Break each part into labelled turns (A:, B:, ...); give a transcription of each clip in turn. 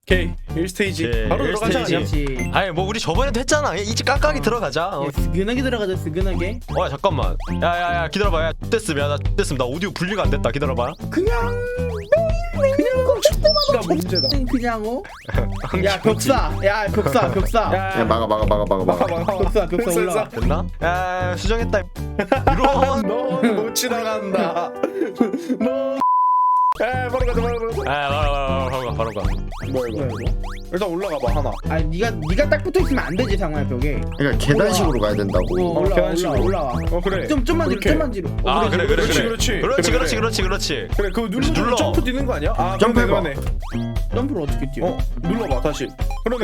A: 오케이 1스테이지 바로 들어가자 그냥.
B: 스테이지.
C: 아니 뭐 우리 저번에도 했잖아. 이지 깍깍이 들어가자.
B: 야, 스근하게 들어가자 스근하게.
C: 야 잠깐만. 야야야 기다려봐. 야 됐음. 야나 됐음. 나 오디오 분리가 안 됐다. 기다려봐.
B: 그냥
A: 나 문제다.
B: 그냥 야 벽사 야 벽사
D: 야 막아
B: 벽사 올라와.
C: 됐나? 야 수정했다. 이런.
A: 넌못 지나간다. 너. 바로 가자.
C: 바로 가.
A: 뭐야 이거? 일단 올라가 봐 하나.
B: 아니 네가 딱 붙어 있으면 안 되지 상호야 벽에.
D: 그러니까 계단식으로 가야 된다고.
B: 올라와.
A: 그래.
B: 좀만
A: 이렇게.
B: 뒤로.
C: 아 그래.
A: 그렇지. 그래 그거
C: 눌러.
A: 점프 뛰는 거 아니야? 아
D: 점프해봐.
A: 그러네.
B: 점프를 어떻게 뛰어?
A: 눌러봐 다시. 그러네.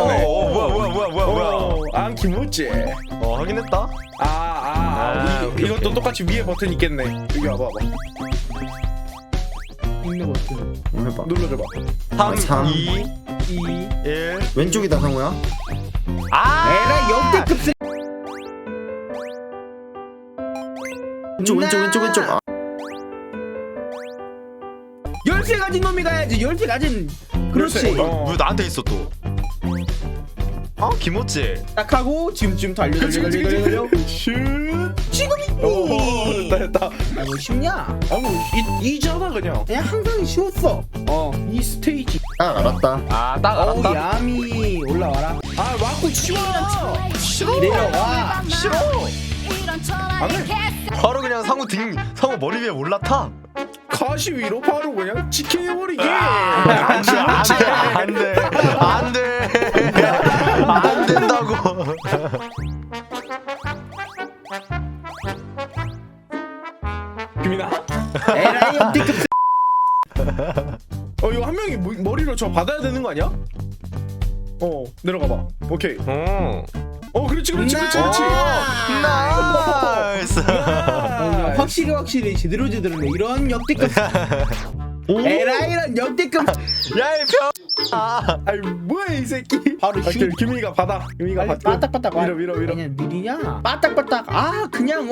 C: 뭐야.
A: 안 기분지.
C: 확인했다. 오케이,
A: 이것도
C: 오케이.
A: 똑같이 위에 버튼 있겠네. 여기 와봐.
B: 있는 버튼.
D: 해봐.
A: 눌러줘봐.
C: 3,
D: 삼.
C: 2,
B: 2
C: 1.
D: 왼쪽이다 상호야.
B: 에라 역대급 쓰.
D: 왼쪽. 아,
B: 열쇠 가진 놈이 가야지. 열쇠 가진. 그렇지.
C: 왜 나한테 있어 또? 김호찌.
B: 딱 하고 지금 달려.
A: 슛. 됐다.
B: 아 뭐 쉽냐?
A: 이잖아 그냥.
B: 그냥 항상 쉬웠어. 이 스테이지.
D: 딱 알았다.
C: 딱 알았다.
B: 야미 올라와라.
A: 와꾸 치워.
B: 내려와.
C: 싫어. 바로 그냥 상우 머리 위에 올라타.
A: 가시 위로 바로 그냥 지켜버리게.
C: 안 된다고.
A: 김이나.
B: 에라이 역대급 쓰.
A: 이거 한 명이 머리로 저 받아야 되는 거 아니야? 내려가 봐. 오케이. 그렇지.
C: 나이스.
B: 확실히 제대로 네 이런 역대급. 에라이란 역대급.
C: 야이 병.
A: 아이 뭐야 이 새끼.
B: 바로 슛.
A: 김이가 받아. 김이가 받고.
B: 빠딱빠딱 와.
A: 밀어.
B: 그냥 느리냐? 빠딱빠딱. 그냥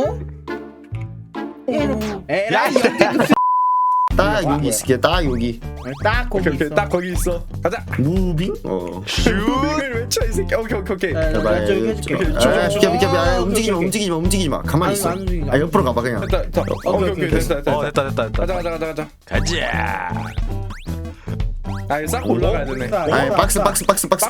B: 에라이 역대급 쓰.
D: 딱 여기 있을게. 딱 여기.
B: 딱 거기
A: 오케이.
B: 있어.
A: 딱 거기 있어. 가자.
D: 무빙.
C: 슛.
A: 무빙을 외쳐 이 새끼. 오케이.
B: 나 저기 해줄게.
D: 비켜. 움직이지 마. 가만히 있어.
B: 안 움직이지.
D: 옆으로 가봐 그냥.
A: 됐다. 오케이. 됐다.
C: 됐다.
A: 가자.
C: 가자.
A: 싹 올라가야 되네.
D: 박스.
C: 오케이.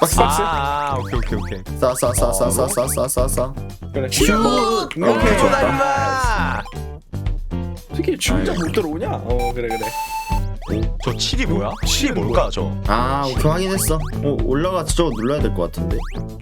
D: 싸.
A: 그래.
D: 슛.
A: 오케이.
D: 좋다.
C: 임마.
A: 특히 진짜 못 들어오냐? 그래.
C: 저 7이 뭐야? 7이 뭘까 저?
D: 오케이 확인했어. 올라가서 저거 눌러야 될 것 같은데.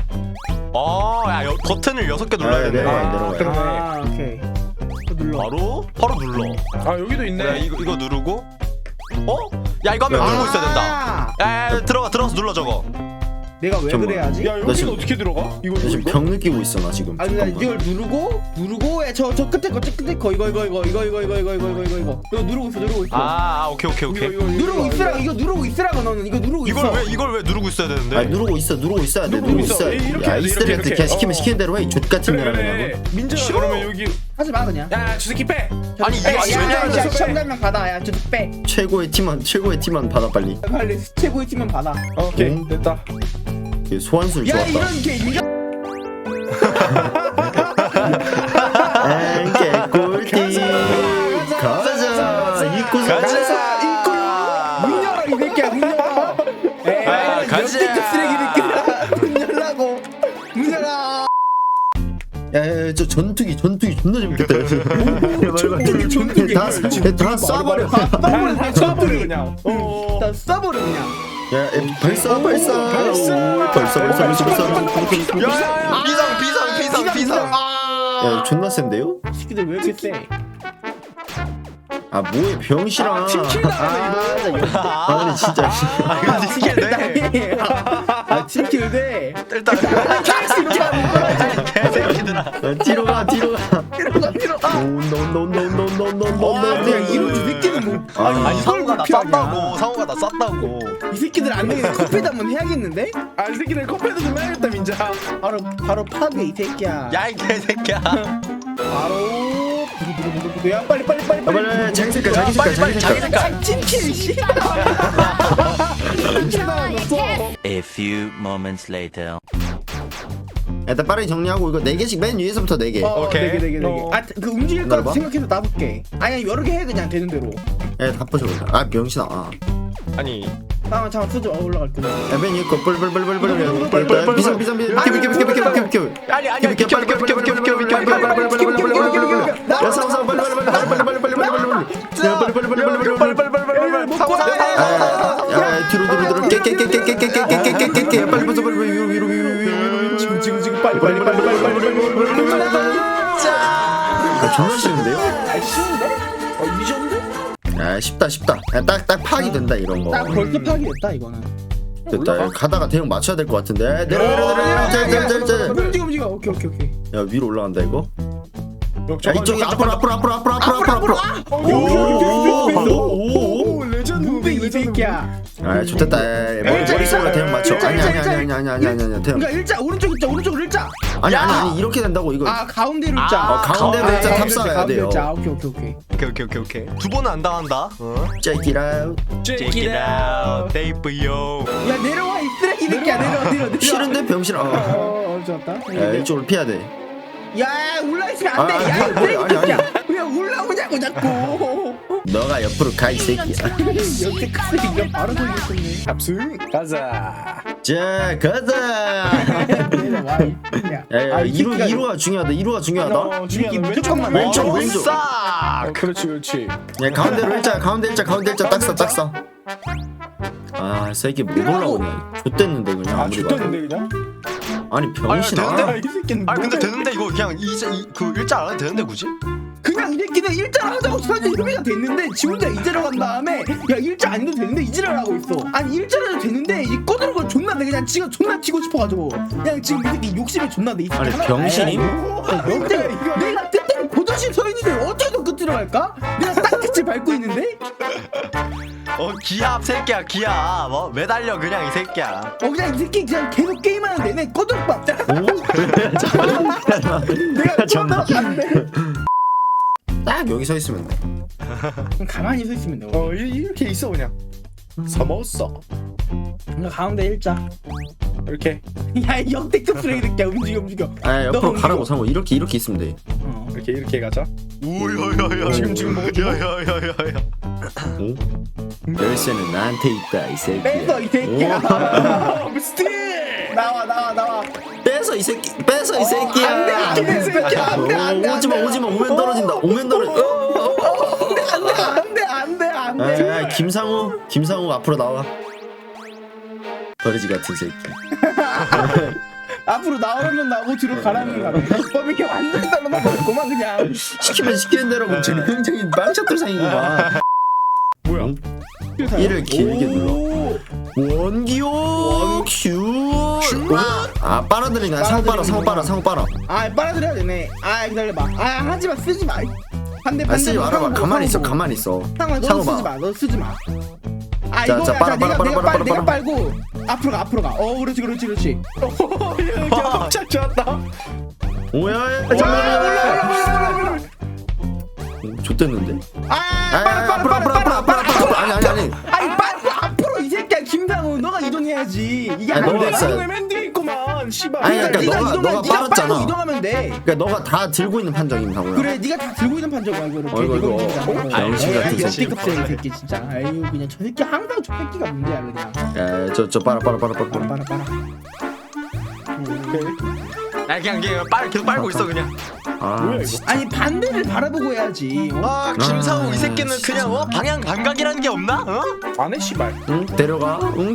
C: 버튼을 6개 눌러야 되네.
D: 내려가요.
A: 그러네.
B: 오케이. 눌러.
C: 바로 눌러.
A: 여기도 있네.
C: 그래, 이거 누르고. 야 이거 하면 누르고 있어야 된다. 야 들어가서 눌러 저거.
B: 내가 왜
D: 잠깐만.
B: 그래야지?
A: 야
D: 나
A: 여기는
D: 지금-
A: 어떻게 들어가? 이거
D: 나 지금 병 느끼고 있어 나 지금.
B: 아니 나 이걸 누르고 저 끝에 거 이거 누르고 있어.
C: 오케이.
B: 누르고 있으라고. 이거 누르고 있으라고. 너는 이거 누르고 있어.
C: 이걸 왜 누르고 있어야 되는데?
D: 누르고 있어야 돼.
A: 누르고 있어. 이렇게
D: 야
A: 해야 돼,
D: 이스트리한테
A: 이렇게.
D: 그냥 시키는 대로 해. 족 같은
A: 그래.
D: 년이라고.
A: 민재가 그러면 여기
B: 하지 마 그냥.
A: 야저 새끼 빼.
C: 아니 이거
B: 야,
A: 야,
B: 시험장면 받아. 야, 저 빼.
D: 최고의 팀만 받아 빨리.
B: 빨리 최고의 팀만 받아.
A: 오케이
D: 응?
A: 됐다.
D: 소환술
B: 야,
D: 좋았다.
B: 이런 게 인정.
D: 개꿀띠. 가자. 입고
B: 문 열어 이 새끼야. 문 열어. 에이,
C: 가자.
B: 역대급 쓰레기 새끼야. 문 열라고. 문 열어.
D: 야저 전투기 존나 재밌겠다.
B: 전투기.
D: 다 쏴버려.
A: 쳐버려 그냥.
B: 나 쏴버려 그냥.
D: 야 발사.
C: 야 비상.
D: 야 존나 센데요?
B: 새끼들 왜 이렇게 세?
D: 뭐해 병신아. 근데 진짜.
C: 이거 스킬네.
B: 팀킬 돼.
C: 일단 개새끼들아.
D: 뒤로 가.
B: 와, 내가 이런 새끼는 뭐.
C: 아니 상우가 나
B: 불쾌하냐.
C: 쌌다고.
B: 이 새끼들 안 되겠네. 커피도 한번 해야겠는데?
A: 이 새끼들 커피도 좀 해야겠다 민자.
B: 바로 파괴 이 새끼야.
C: 야 이 개새끼야.
B: 바로 야 빨리
D: 자기 색깔.
B: 팀킬 씨.
A: 민자 나왔어.
C: A few moments later.
D: 일단 빠르게 정리하고 이거 4개씩 맨 위에서부터 4개.
C: 오케이.
B: 4개.
A: 어.
B: 아, 그 움직일 거
D: 기다려봐.
B: 생각해서 놔둘게. 아니, 여러 개 해, 그냥 되는 대로.
D: 예, 다 부셔버려. 아, 병신아.
C: 아니
B: 잠깐만, 쓰지 마, 올라갈 때.
D: 야, 맨 위에 거 뿔뿔뿔뿔뿔. 비상. 비켜.
C: 아니 아니 비켜.
D: 야, 싸워. 빨리. 야, 뒤로. 깨. 빨리 부숴. 위로.
B: 지금 빨리.
D: 아, 존나 쉬운데요?
B: 아, 쉬운데? 이 정도?
D: 야, 쉽다. 야, 딱 파악이 된다 이런 거.
B: 딱 벌써 파악이됐다, 이거는.
D: 됐다. 야, 가다가 대형 맞춰야 될 것 같은데. 내려. 짤.
B: 움직여. 오케이.
D: 야, 위로 올라간다 이거. 야,
A: 잠깐,
D: 이쪽이
A: 잠깐,
D: 앞으로.
A: 오 레전드
B: 무빙 이 새끼야.
D: 아, 좋됐다. 머릿속으로 대형 맞춰. 아니. 대형.
B: 그러니까 일자 오른쪽 일자 오른쪽으로 일자.
D: 아니 이렇게 된다고 이거.
B: 아 가운데로 일자.
D: 가운데로 일자 탑사해야 돼요.
B: 자 오케이.
C: 오케이. 두 번은 안 당한다.
D: Check it out.
C: Check it out, baby yo.
B: 야 내려와 이 쓰레기 새끼야 내려.
D: 싫은데 병신아.
B: 좋았다.
D: 야, 이쪽으로 피해야 돼.
B: 야 올라 있으면 안 돼. 야 이 쓰레기
D: 아니.
B: 새끼야. 왜 올라오냐고 자꾸.
D: 너가 옆으로 가 이 새끼야.
B: 역대 큰 새끼가 바로 돌렸었네.
A: 탑승 가자.
D: 자, 가자.
B: 내려와.
D: 야, 2루가 중요하다. 2루가 중요하다.
B: 무조건
D: 왼쪽.
A: 그렇지.
D: 야, 가운데로 일자. 가운데 일자 딱 써. 아, 새끼 못 올라오네. 좆됐는데 그냥
A: 아
D: 아무리 봐도.
A: 죽겠는데 그냥?
D: 아니 병신아.
C: 되는데?
A: 이 새끼는
C: 아니 근데
A: 뭐야?
C: 되는데 이거 그냥 그 일자 안 해도 되는데 굳이?
B: 그냥 이 새끼는 일자를 하자고 사실 협의가 됐는데 지 혼자 이제로 간 다음에 야 일자 안 해도 되는데 이제를 하고 있어. 아니 일자를 해도 되는데 이 꺼내는 걸 존나 내 그냥 지가 존나 튀고 싶어가지고 그냥 지금 이 새끼 욕심이 존나 내 이 새끼.
D: 아니,
B: 하나-
D: 병신임?
B: 내가 뜻대로 고정시 서 있는데 어떻게 더 끝으로 갈까? 내가 딱 끝을 밟고 있는데
C: 기합 새끼야 기합. 매달려 그냥 이 새끼야.
B: 그냥 이 새끼 그냥 계속 게임하는 내내 꺼들밥. 내가 존나 안돼.
D: 딱 여기 서 있으면 돼.
B: 가만히 서 있으면 돼.
A: 이렇게 있어 그냥. 서먹었어.
B: 그러니까 가운데 일자.
A: 이렇게
B: 야 역대급 쓰레기 새끼야. 움직여.
D: 아, 옆으로
B: 너무
D: 가라고 상호. 이렇게 있으면 돼.
A: 이렇게 가자.
C: 오야야야.
A: 지금 먹어줘.
C: 야야야야야.
D: 열쇠는 나한테 있다 이 새끼야.
B: 뺏어 이 새끼야.
A: 스틸.
B: 나와.
D: 뺏어 이 새끼야.
B: 안돼 이 새끼야. 안돼.
D: 오지마 오면 떨어진다.
B: 안돼.
D: 아, 김상우 앞으로 나와. 버리지 같은 새끼.
B: 앞으로 나오면 나오고 뒤로 가라면 가라. 범이게 완전 달라만 버렸구만 그냥.
D: 시키면 시키는 대로 뭐 굉장히 망쳤돌상이구만.
A: 뭐야?
D: 이를 길게 눌러. 원기호 큐. 아, 빨아들이네. 상호 빨아.
B: 아 빨아들여야 되네. 아 기다려봐. 아 하지마 쓰지 마. 반대.
D: 아, 쓰지 말아봐. 가만히 있어.
B: 상호 너 쓰지 마. 너 쓰지 마. 아
D: 자,
B: 이거
D: 자, 빨아.
B: 내가 빨고 앞으로 가. 그렇지.
A: 깜짝 좋았다.
D: 오야. 좋댔는데. 앞으로. 아니.
B: 아니 빨고 앞으로 이 새끼야 김상우 너가 이동해야지. 이게
D: 아니,
B: 안
D: 너가
B: 돼.
D: 했어요.
A: 맨 뒤에 있구만. 씨발.
D: 아니, 그러니까
B: 네가
D: 너가
B: 네가
D: 빨았잖아.
B: 빨고 이동하면 돼.
D: 그러니까 너가 다 들고 있는 판정임 상호야.
B: 그래 네가 다 들고 있는 판정이야 이거 이렇게.
D: 어이구, 병신 같은 새끼.
B: 역대급 쓰레기 새끼 진짜. 아유 그냥 저 새끼 항상 저 새끼가 문제야 그냥.
D: 야, 저 빨아.
B: 빨아.
C: 그냥 계속 빨고 있어 그냥.
D: 아,
B: 아니 반대를 바라보고 해야지.
C: 김상우 이 새끼는 그냥 방향 감각이라는 게 없나?
A: 안해 씨발.
D: 응, 데려가.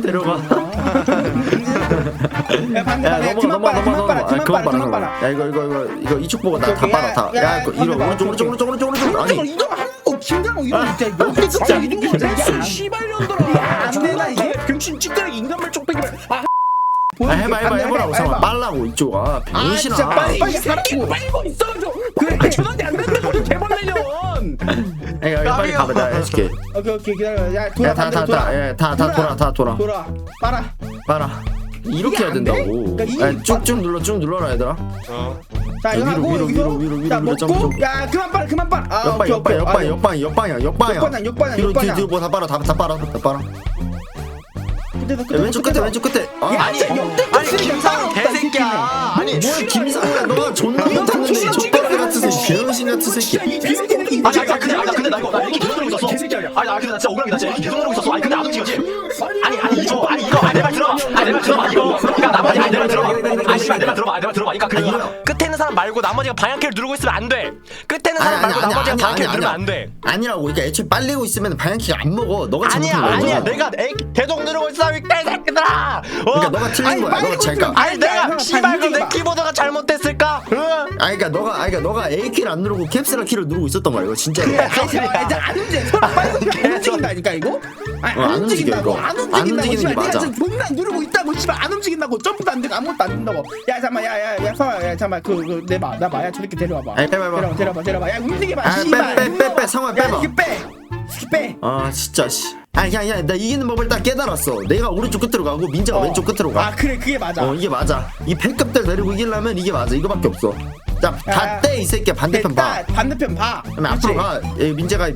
B: 야 반대.
D: 야,
B: 그만 빨아.
D: 야, 이거 이쪽 보고 다 빨아 다. 야, 이거 오른쪽. 아니,
B: 이동하고 김상우 이런 진짜 역대급 진짜 이런 게 진짜 이게
A: 씨발년들아.
B: 안 되나 이게?
A: 병신 찌끄레기 인간말 쪽배기말.
D: 해보라고 상호. 빨라고 이쪽아. 병신아.
B: 진짜 빨리 하라고.
A: 빨고 있어줘. 그래 전화대 안 된다고 개벌레년.
D: 야, 빨리 가봐. 내가 해줄게.
B: 오케이 기다려. 야
D: 다 돌아. 빨아. 이렇게 해야 된다고.
B: 그러니까
D: 야, 쭉 눌러라 얘들아.
B: 자 이거 하고
D: 위로,
B: 자
D: 점프.
B: 먹고 야 그만 빨아. 아
D: 옆방향.
B: 역방향.
D: 뒤로 다 빨아. 왼쪽 끝에 왼쪽 끝에.
C: 아니 김상우 개새끼야. 아니
D: 뭐야 김상우야 너가 존나 못하는데 족발 같은 새끼 병신 같은 새끼.
C: 근데 나 이렇게 계속 누르고 있었어. 아니 나 근데 나 진짜 억울하게 나 진짜 이렇게 계속 누르고 있었어. 아니 근데 안 움직여지. 아니 이거 내 말 들어봐. 내 말 들어봐 이거. 그러니까 나머지 내 말 들어봐. 내 말 들어봐. 그러니까 그 끝에 있는 사람 말고 나머지가 방향키를 누르고 있으면 안 돼. 끝에 있는 사람 말고 나머지가 방향키를 누르면 안 돼.
D: 아니라고. 그러니까 애초에 빨리고 있으면 방향키가 안 먹어. 너가
C: 아니야 내가 계속 누르고 있어 이 개새끼들아.
D: 그러니까 너가 틀린 거야. 너가 잠깐.
C: 아니 내가 씨발 그럼 내 키보드가 잘못됐을까?
D: 그러니까 너가 A 키를 안 누르고 캡슐 키를 누르고 있었던 거야. 이거 진짜로.
B: 이제 안 움직여. 서로 빨리 안 움직인다니까 이거.
D: 안 움직여, 이거.
B: 안
D: 안
B: 움직인다고.
D: 움직이는 게
B: 씨발,
D: 맞아.
B: 내가 지금 존나 누르고 있다고 씨발 안 움직인다고. 점프도 안 되고 아무것도 안 된다고. 야 잠깐만 야 잠깐만 나 마야 저렇게 데려와봐.
D: 아니, 빼봐.
B: 데려와봐. 야 움직여봐.
D: 아,
B: 씨발.
D: 빼 상황
B: 야
D: 빼봐.
B: 이게 빼.
D: 아 진짜 씨. 야 나 이기는 법을 딱 깨달았어. 내가 오른쪽 끝으로 가고 민재가 왼쪽 끝으로 가.
B: 아 그래 그게 맞아.
D: 이게 맞아. 이 팬급들 내리고 이기려면 이게 맞아. 이거밖에 없어. 자, 다 떼 이 새끼야. 반대편 봐.
B: 반대편 봐.
D: 그러면 앞으로 가. 민재가.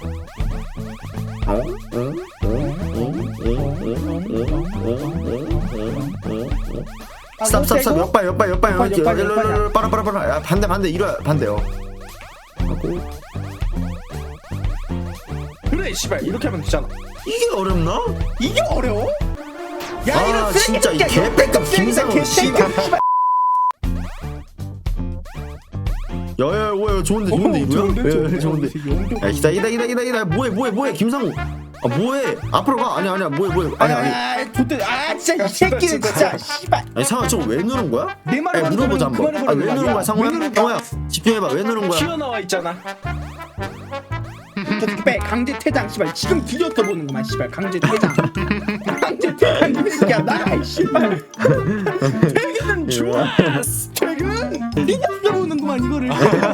D: 스탑 옆발 빨아. 야, 반대 이리와 반대요. 하고
A: 그래 씨발 이렇게 하면 되잖아.
D: 이게 어렵나?
B: 이게 어려워? 야
D: 아,
B: 이런
D: 진짜 이
B: 쓰레기
D: 개백값 김상우 씨발. 야야 뭐야 좋은데 이거야? 좋은데. 야 기다 뭐해 김상우. 아 뭐해 앞으로 가. 아니야 뭐해 아니
B: 좋대. 아 진짜 이 새끼는 진짜 씨발.
D: 아니 상아 저거 왜 누른 거야?
B: 내 말을
D: 아니, 물어보자 한번. 왜 누른 거야 상우야? 상우야 집중해봐. 왜 누른 거야?
A: 튀어나와 있잖아.
B: 저렇게 빼 강제 퇴장 씨발 지금 뒤졌어 보는구만 씨발 강제 퇴장. 강제 퇴장 이 새끼야 나 씨발. 퇴근은 좋았어. 퇴근 뒤졌어 보는구만 이거를.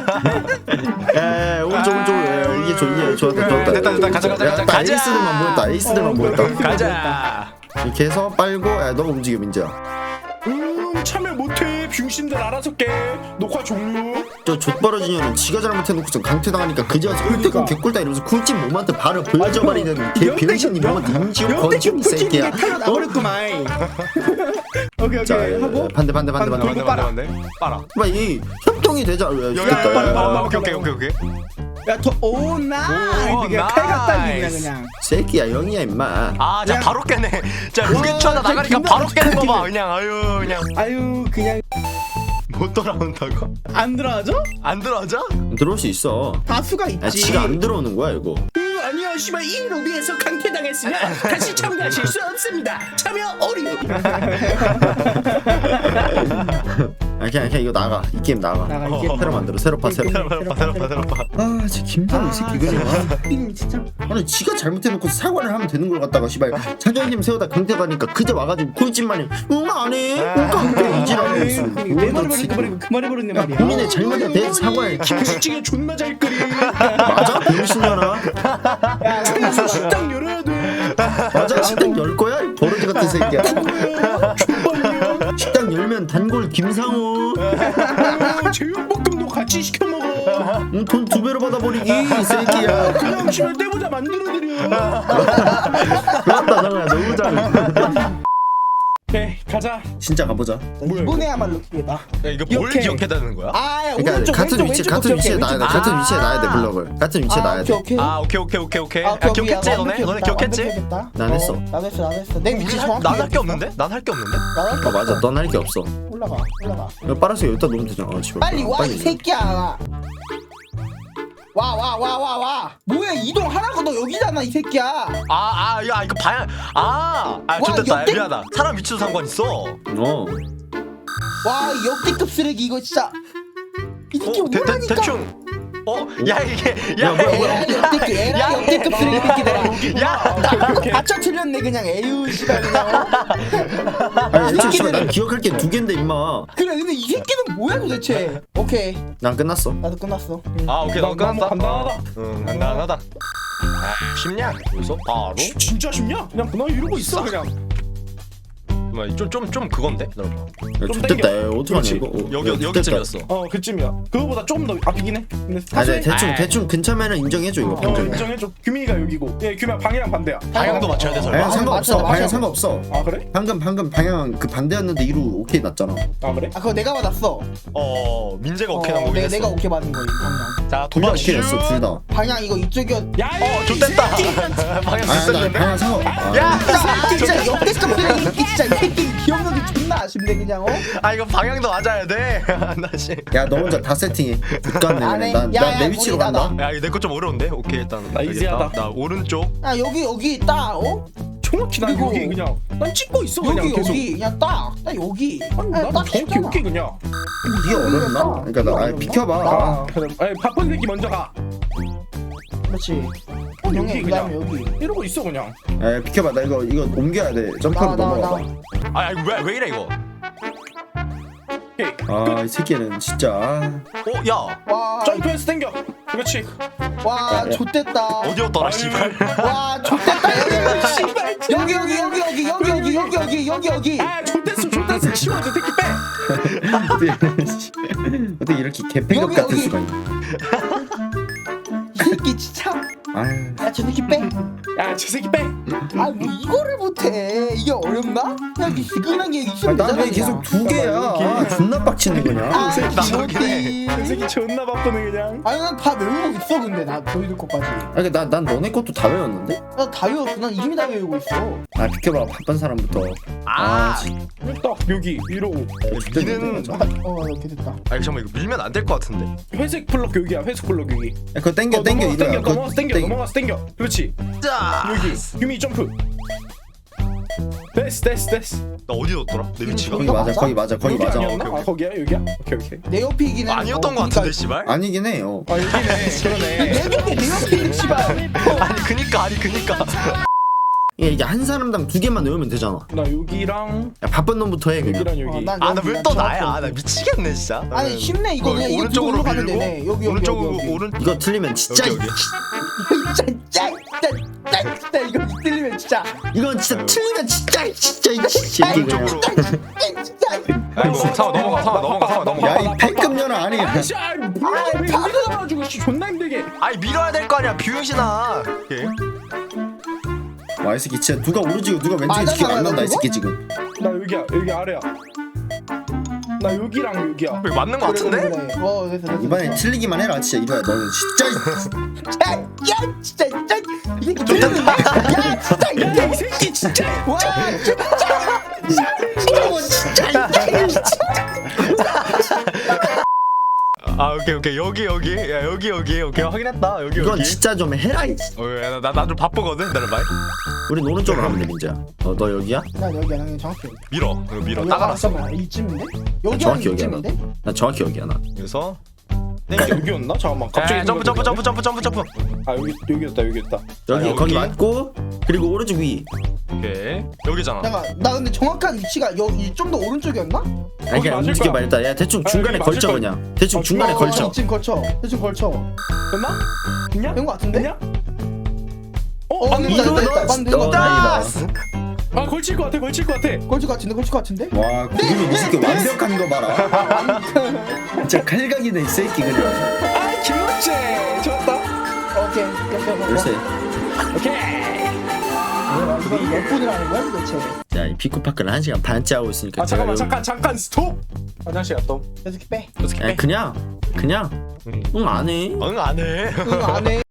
D: 에 오른쪽 이게 좋았다.
C: 됐다 가자.
D: 에이스들만 보였다.
C: 가자.
D: 이렇게 해서 빨고. 야 너가 움직여 민재야.
A: 참여 못해. 병신들 알아서 깨. 녹화 종료.
D: 저 좆버러진 년은 지가 잘못해놓고서 강퇴당하니까 그제 와서 꿀대고 개꿀다 이러면서 쿨집 몸한테 발을 보여줘버리는 개 병신이 몸한테 임지우 건축 이 새끼야.
B: 나버렸구만. 오케이
D: 자
B: 하고
D: 반대
C: 빨아.
D: 이 협동이 되자. 좋겠다.
C: 오케이.
B: 야더 오나
C: 오,
B: 그냥 칼 갖다 주냐
C: 나이스.
B: 그냥.
D: 새끼야 영이야 임마.
C: 자 바로 깨네. 자 무게추하다 나가니까 바로 깨는 거 봐. 그냥
B: 아유 그냥
C: 못 돌아온다고?
B: 안 들어가죠?
C: 안 들어져?
D: 들어올 수 있어.
B: 다수가
D: 야,
B: 있지.
D: 지가 안 들어오는 거야 이거.
B: 아니요 씨발 이 로비에서 강퇴당했으면 다시 참가하실 수 없습니다. 참여 어류.
D: 그냥 이거 나가. 이 게임 나가.
B: 이게
D: 새로 만들어. 새로 파. 아 진짜 김상우 이 새끼 그지?
B: 진짜.
D: 아니 지가 잘못해놓고 사과를 하면 되는 걸 갖다가 씨발 자존심 세우다 강대 가니까 그제 와가지고 꿀집만이 안해 안 이지라고 있어.
B: 내 말을 버리고 그 말을 버렸네 말이야.
D: 본인의 잘못에 대해서 사과해.
A: 김치찌개 존나 잘 끓이.
D: 맞아? 병신년아.
A: 청소 식당 열어야 돼.
D: 맞아? 식당 열 거야? 이 버러지 같은 새끼야. 식당 열면 단골 김상우.
A: 제육볶음도 같이 시켜 먹어.
D: 돈 2배로 받아버리기 이 새끼야.
A: 그냥 집에 떼보자 만들어드려.
D: 맞다 상우야 너무 잘해.
A: 오케이 가자.
D: 진짜 가보자.
B: 이번에야말로 기회다.
C: 야, 이거 뭘
B: 이렇게.
C: 기억해야 되는 거야?
B: 아,
D: 그러니까 같은 위치에 놔야 돼. 같은 위치에 놔야 돼 블럭을. 같은 위치에 놔야 돼.
B: 오케이.
C: 오케이. 야, 기억했지 너네 기억했지?
D: 난 했어.
B: 나도 했어. 내 위치 정확히.
C: 난 할 게 없는데? 난 할 게 없는데?
B: 나도
D: 맞아. 넌 할 게 없어.
B: 올라가.
D: 이거 빨아서 여기다 놓으면 되잖아. 집에.
B: 빨리 와 이 새끼야. 와. 뭐야 이동하라고 너 여기잖아 이 새끼야.
C: 야 이거 방향 좋됐다.
B: 역대-
C: 미안하다. 사람 위치도 상관 있어.
B: 와 역대급 쓰레기 이거 진짜. 이 새끼 뭐라니까.
C: 대충. 야 이게
B: 에라 역대급 쓰레기 새끼들아.
C: 야
B: 받쳐 틀렸네 그냥 에휴 씨발 그냥.
D: 아니 애초에 난 기억할 게 2개인데 임마.
B: 그래 근데 이 새끼는 뭐야 도대체. 오케이
D: 난 끝났어.
B: 나도 끝났어.
C: 오케이 너 끝났다.
A: 간단하다.
C: 간단하다. 쉽냐? 여기서 바로
A: 진짜 쉽냐? 그냥 그날 이러고 있어 그냥.
C: 좀 그건데? 기다려봐.
D: 야,
A: 좀
D: 좋됐다.
A: 땡겨.
D: 야, 어떡하냐
A: 그렇지.
D: 이거.
C: 여기쯤이었어.
A: 그쯤이야. 그거보다 좀 더 앞이긴 해. 근데
D: 아, 네,
A: 사실
D: 대충 근처면은 인정해줘 이거. 방금.
A: 인정해줘. 규민이가 여기고. 예, 규민아 방이랑 반대야.
C: 방향도 맞춰야 돼 설마?
D: 방향 상관없어.
B: 맞아.
D: 방향 상관없어.
A: 아 그래?
D: 방금 방향 그 반대였는데 이루 오케이 났잖아.
A: 아 그래?
B: 아 그거 내가 받았어.
C: 민재가 오케이 난 거긴 했어.
B: 내가 오케이 받은 거야 방향.
C: 자
D: 둘 다
C: 도박
D: 오케이 났어 둘 다.
B: 방향 이거 이쪽이었.
A: 야,
C: 좋됐다. 방향
D: 아나
C: 됐었는데?
D: 방향 상관.
C: 야!
B: 진짜 역대급 쓰레기 진짜 이 새끼 기억력이 존나 아쉽네 그냥
C: 아 이거 방향도 맞아야 돼. 다시.
D: 야너 혼자 다 세팅해.
B: 안
D: 못갔네.
B: 해.
D: 난내 위치로
B: 머리다,
D: 간다.
C: 야 이거 내 거 좀 어려운데? 오케이 일단
A: 나 이지하다.
C: 나 오른쪽.
B: 야 여기 딱
A: 정확히 난
B: 그리고-
A: 여기 그냥 난 찍고 있어 그냥
B: 여기
A: 계속.
B: 그냥 딱 여기.
A: 아니,
B: 아,
A: 난
B: 딱
A: 정확히
B: 쉽잖아.
A: 여기 그냥.
D: 이게 어렵나? 그러니까 나 아니, 비켜봐.
A: 아, 그래. 아니 바쁜 새끼 먼저 가.
B: 그렇지.
A: 여기
B: 형이 그다음에 여기.
A: 이러고 있어 그냥.
D: 야 비켜봐. 나 이거 옮겨야 돼. 점프로 넘어가.
C: 아니 왜 이래 이거?
A: 오케이.
D: 아이 새끼는 진짜.
C: 야
B: 와,
A: 점프해서 당겨. 그렇지.
B: 와,
D: 야.
B: 좆됐다.
C: 어디였더라 씨발.
B: 와, 좆됐다.
A: 씨발.
B: 여기.
A: 아, 좋댔어. 치워 저 새끼 빼.
D: 어떻게 이렇게 개패급
B: 여기,
D: 같을
B: 여기.
D: 수가 있냐?
B: 이 새끼 진짜.
D: 아유.
B: 야, 저 새끼 빼.
A: 야, 저 새끼 빼.
B: 아, 뭐 이거를 못해. 이게 어렵나? 그냥 지근한 게 있으면 되잖아.
D: 난왜 계속 두 개야? 아, 존나 빡치네 그냥.
B: 아,
C: 나도
B: 이거지.
A: 저 새끼 존나 바쁘네 그냥.
B: 아니 난 다 외우고 있어 근데 나 너희들 것까지.
D: 아니 난 너네 것도 다 외웠는데?
B: 나 다 외웠어. 난 이미 다 외우고 있어.
D: 아 비켜봐 바쁜 사람부터.
C: 아,
A: 딱 여기 위로.
C: 니는
B: 이렇게 됐다.
C: 아니 잠깐만 이거 밀면 안 될 것 같은데.
A: 회색 블럭 여기야. 회색 블럭 여기.
D: 야, 그거 땡겨 이거야.
A: 넘어가서 땡겨. 그렇지.
C: 자
A: 여기. 유미 점프. 됐어.
C: 나 어디 뒀더라? 내 위치가?
D: 거기 맞아 거기 맞아 거기
A: 여기
D: 맞아.
A: 아니었나?
C: 오케이.
A: 아 거기야 여기야? 오케이.
B: 내 옆이긴 해.
C: 아니었던 것 같은데 씨발.
D: 아니긴 해.
A: 아 여기네. 그러네.
B: 내 벽에 내 옆에 있는 씨발.
C: 아니 그니까.
D: 이게 한 사람당 두 개만 외우면 되잖아.
A: 나 여기랑
D: 야, 바쁜 놈부터 해 그냥.
A: 여기랑 여기.
B: 난
C: 아 나
B: 여기,
C: 왜
B: 난
C: 또
B: 정확히
C: 나야?
B: 여기.
C: 나 미치겠네 진짜.
B: 아니 쉽네 이거 그냥 이거
C: 오른쪽으로
B: 뒤로 가면
C: 밀고
B: 되네. 여기
C: 오른쪽으로
B: 여기.
C: 오른.
D: 이거 틀리면 진짜
C: 여기.
B: 진짜 이거 틀리면 진짜.
D: 이건 진짜 틀리면 진짜 이거 진짜 이게 그냥.
C: 오른쪽으로.
B: 진짜.
C: 아이고 상어 넘어가.
D: 야 이 패급 년아 아니.
A: 아씨, 뭐야? 왜 여기다 놔가지고 씨 존나 힘들게.
C: 아니 밀어야 될 거 아니야 비용신아. 오케이.
D: 와 이 새끼 진짜 누가 오른쪽이고 누가 왼쪽인지
B: 맞아,
D: 기억 안 난다 이
B: 그거?
D: 새끼 지금.
A: 나 여기 아래야. 나 여기랑 여기야.
C: 왜 맞는 거 같은데?
B: 그래. 됐어.
D: 이번엔 틀리기만 해라 진짜 이거야 너는 진짜.
B: 야 진짜 이 새끼 좋다. 야 진짜
A: 야, 이 새끼 진짜.
B: 와
C: 아 오케이 여기 야 여기 오케이 확인했다 여기
D: 이건 진짜 좀 해라.
C: 나 좀 바쁘거든 기다려봐.
D: 우린 오른쪽으로 가면 돼 민재야. 너 여기야?
B: 나 여기야 나 정확히 여기.
C: 밀어 이거 밀어
B: 여기
C: 따가놨어.
B: 잠깐만 이쯤인데? 여기
D: 정확히
B: 한
D: 여기야 나.
B: 이쯤인데?
D: 나 정확히 여기야 나.
C: 그래서
A: 여기였나? 잠깐만. 갑자기
C: 점프.
A: 아 여기였다.
D: 여기
C: 여기?
D: 거기 맞고 그리고 오른쪽 위.
C: 오케이 여기잖아.
B: 잠깐 나 근데 정확한 위치가 여기 좀 더 오른쪽이었나?
D: 아니 그냥
A: 맞을
D: 움직여
A: 거야.
D: 말다. 야 대충 중간에
A: 여기
D: 걸쳐
A: 맞을
D: 그냥. 대충 중간에 걸쳐.
B: 지금 걸쳐 대충 걸쳐
A: 됐나? 됐냐?
B: 된 거 같은데?
A: 됐냐?
B: 맞는다
A: 맞는다.
B: 맞는다
D: 어, 다행이다.
A: 아 걸칠 것 같아.
B: 걸칠 것 같은데?
D: 와 구름이 이 새끼 완벽한 거 봐라. 진짜 칼각이네 이 새끼 그냥.
A: 아 김원재 좋았다.
B: 오케이
D: 열쇠.
A: 오케이.
B: 이거 몇 분을 하는 거야 도대체?
D: 자이 피코파크를 1시간 반째 하고 있으니까.
A: 아
D: 제가
A: 잠깐 스톱. 화장실 갔다.
B: 이렇게 빼
D: 그냥 응 안 해.
C: 응 안해.
B: 이거 안해